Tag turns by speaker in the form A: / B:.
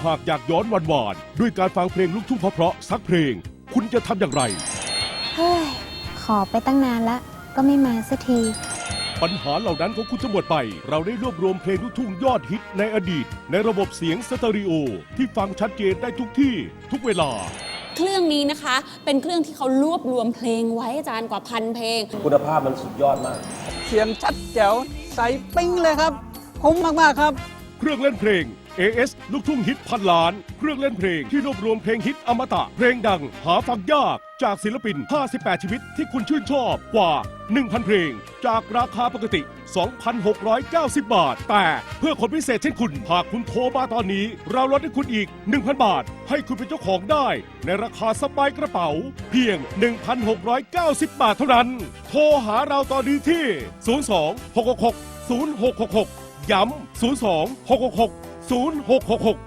A: หากอยากย้อนหวานๆด้วยการฟังเพลงลูกทุ่งเพราะๆสักเพลงคุณจะทำอย่างไร
B: เฮ้ยขอไปตั้งนานละก็ไม่มาสักที
A: ปัญหาเหล่านั้นของคุณจะหมดไป เราได้รวบรวมเพลงลูกทุ่งยอดฮิตในอดีตในระบบเสียงสเตอริโอที่ฟังชัดเจนได้ทุกที่ทุกเวลา
C: เครื่องนี้นะคะเป็นเครื่องที่เขารวบรวมเพลงไว้อาจารย์กว่า1,000 เพลง
D: คุณภาพมันสุดยอดมาก
E: เสียงชัดแจ๋วใสปิ้งเลยครับคุ้มมากๆครับ
A: เครื่องเล่นเพลง AS ลูกทุ่งฮิตพันล้านเครื่องเล่นเพลงที่รวบรวมเพลงฮิตอมตะเพลงดังหาฟังยากจากศิลปิน58ชีวิตที่คุณชื่นชอบกว่า 1,000 เพลงจากราคาปกติ 2,690 บาทแต่เพื่อคนพิเศษเช่นคุณหากคุณโทรมาตอนนี้เราลดให้คุณอีก 1,000 บาทให้คุณเป็นเจ้าของได้ในราคาสบายกระเป๋าเพียง 1,690 บาทเท่านั้นโทรหาเราตอนนี้ที่ 02 666 0666 ย้ำ 02 666 0666